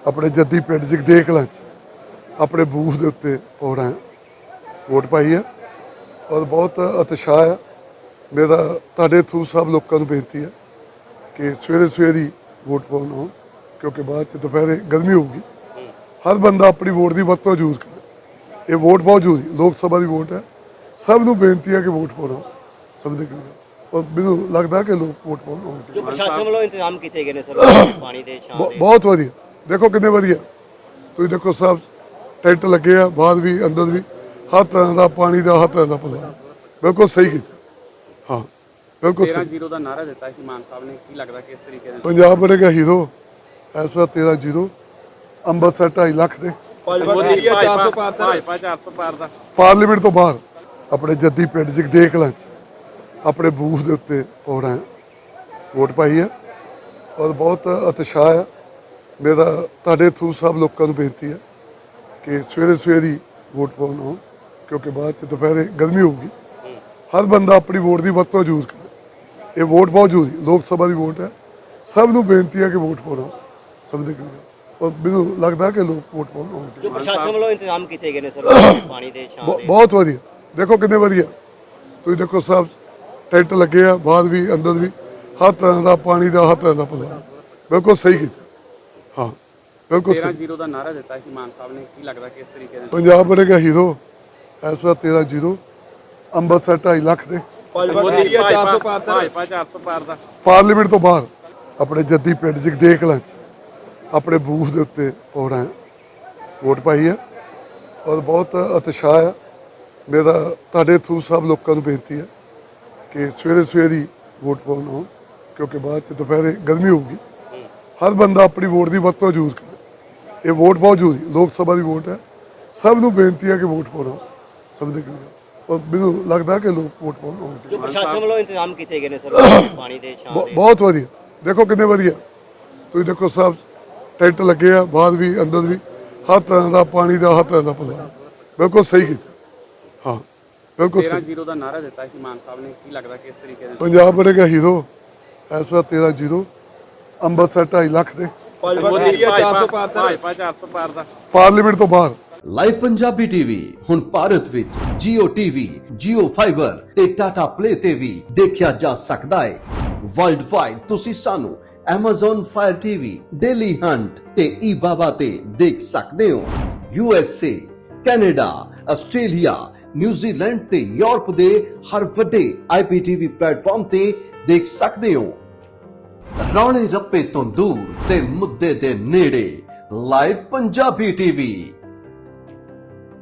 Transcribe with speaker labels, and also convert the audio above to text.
Speaker 1: अपने जद्दी पिंड जगदेव कलां अपने बूथ के उत्ते पौड़ा वोट पाई है और बहुत उत्साह है। मेरा तुहाडे थ्रू सब लोगों को बेनती है कि सवेरे सवेरे ही वोट पाउण आओ, क्योंकि बाद दोपहरे गर्मी होगी। हर बंदा अपनी वोट की वरतों जरूर करे। ये वोट बहुत जरूरी लोक सभा की वोट है। सब नूं बेनती है कि वोट पाउणा समझे कि और मैनूं लगदा कि लोग वोट पाउण आउणगे।
Speaker 2: जो प्रशासन वालों इंतजाम किए गए सर पानी दे छां दे
Speaker 1: बहुत वधिया देखो किन्ने वधिया तुसीं देखो सब टेंट लगे आ बाहर भी अंदर भी हर तरह का पानी का हर तरह का प्रबंध बिल्कुल सही किया। हाँ बिल्कुल सही।
Speaker 3: 13-0 ਦਾ ਨਾਰਾ ਦਿੱਤਾ ਸੀ ਮਾਨ ਸਾਹਿਬ ਨੇ, ਕੀ ਲੱਗਦਾ ਕਿਸ ਤਰੀਕੇ ਨਾਲ
Speaker 1: पंजाब बनेगा हीरो इस बार 13-0 ਅੰਮ੍ਰਿਤਸਰ 2.5 ਲੱਖ ਦੇ
Speaker 3: ਭਾਜਪਾ 400 ਪਾਰ ਦਾ
Speaker 1: ਪਾਰਲੀਮੈਂਟ ਤੋਂ ਬਾਹਰ ਆਪਣੇ ਜੱਦੀ ਪਿੰਡ ਜਗदेव ਕਲਾਂ ਆਪਣੇ ਬੂਥ ਦੇ ਉੱਤੇ ਪੌੜਾ ਵੋਟ ਪਾਈ ਹੈ और बहुत उत्साह है। मेरा तुहाडे थ्रू सब लोगों को बेनती है कि सवेरे सवेरे ही वोट पाउण आओ, क्योंकि बाद दोपहरे गर्मी होगी। हर बंदा अपनी वोट की वरतों जरूर करे। ये वोट बहुत जरूरी लोक सभा की वोट है। सब नूं बेनती है कि वोट पाउणा समझे कि और मैनूं लगदा कि लोग वोट पाउण आउणगे।
Speaker 2: जो प्रशासन वालों इंतजाम किए गए सर पानी दे छां दे
Speaker 1: बहुत वधिया देखो किन्ने वधिया तुसीं देखो सब टेंट लगे आ बाहर भी अंदर भी हर तरह का पानी का हर तरह का प्रबंध बिल्कुल सही किया। हाँ बिल्कुल सही।
Speaker 3: 13-0 ਦਾ ਨਾਰਾ ਦਿੱਤਾ ਸੀ ਮਾਨ ਸਾਹਿਬ ਨੇ, ਕੀ ਲੱਗਦਾ ਕਿਸ ਤਰੀਕੇ ਨਾਲ
Speaker 1: पंजाब बनेगा हीरो इस बार 13-0 ਅੰਮ੍ਰਿਤਸਰ 2.5 ਲੱਖ ਦੇ
Speaker 3: ਭਾਜਪਾ 400 ਪਾਰ ਦਾ
Speaker 1: ਪਾਰਲੀਮੈਂਟ ਤੋਂ ਬਾਹਰ ਆਪਣੇ ਜੱਦੀ ਪਿੰਡ ਜਗदेव ਕਲਾਂ ਆਪਣੇ ਬੂਥ ਦੇ ਉੱਤੇ ਪੌੜਾ ਵੋਟ ਪਾਈ ਹੈ और बहुत उत्साह है। मेरा तुहाडे थ्रू सब लोगों को बेनती है कि सवेरे सवेरे ही वोट पाउण आओ, क्योंकि बाद दोपहरे गर्मी होगी। हर बंदा अपनी वोट की वरतों जरूर करे। ये वोट बहुत जरूरी लोक सभा की वोट है। सब नूं बेनती है कि वोट पाउणा समझे कि और मैनूं लगदा कि लोग वोट पाउण आउणगे।
Speaker 2: जो प्रशासन वालों इंतजाम किए गए सर पानी दे छां दे
Speaker 1: बहुत वधिया देखो किन्ने वधिया तुसीं देखो सब टेंट लगे आ बाहर भी अंदर भी हर तरह का पानी का हर तरह का प्रबंध बिल्कुल सही किया। हाँ बिल्कुल सही।
Speaker 3: 13-0 ਦਾ ਨਾਰਾ ਦਿੱਤਾ ਸੀ ਮਾਨ ਸਾਹਿਬ ਨੇ, ਕੀ ਲੱਗਦਾ ਕਿਸ ਤਰੀਕੇ ਨਾਲ
Speaker 1: पंजाब बनेगा हीरो इस बार 13-0 ਅੰਮ੍ਰਿਤਸਰ 2.5 ਲੱਖ ਦੇ
Speaker 3: ਭਾਜਪਾ 400 ਪਾਰ ਦਾ
Speaker 1: ਪਾਰਲੀਮੈਂਟ ਤੋਂ ਬਾਹਰ
Speaker 4: ਲਾਈਵ ਪੰਜਾਬੀ ਟੀਵੀ ਹੁਣ ਭਾਰਤ ਵਿੱਚ Jio TV, Jio Fiber ਤੇ Tata Play ਤੇ ਵੀ ਦੇਖਿਆ ਜਾ ਸਕਦਾ ਹੈ। ਵਰਲਡ ਵਾਈਡ ਤੁਸੀਂ ਸਾਨੂੰ Amazon Fire TV, Daily Hunt ਤੇ eBaba ਤੇ ਦੇਖ ਸਕਦੇ ਹੋ। USA, ਕੈਨੇਡਾ, ਆਸਟ੍ਰੇਲੀਆ, ਨਿਊਜ਼ੀਲੈਂਡ ਤੇ ਯੂਰਪ ਦੇ ਹਰ ਵੱਡੇ IPTV ਪਲੇਟਫਾਰਮ ਤੇ ਦੇਖ ਸਕਦੇ ਹੋ। ਰੌਲੇ ਰੱਪੇ ਤੋਂ ਦੂਰ ਤੇ ਮੁੱਦੇ ਦੇ ਨੇੜੇ ਲਾਈਵ ਪੰਜਾਬੀ ਟੀਵੀ।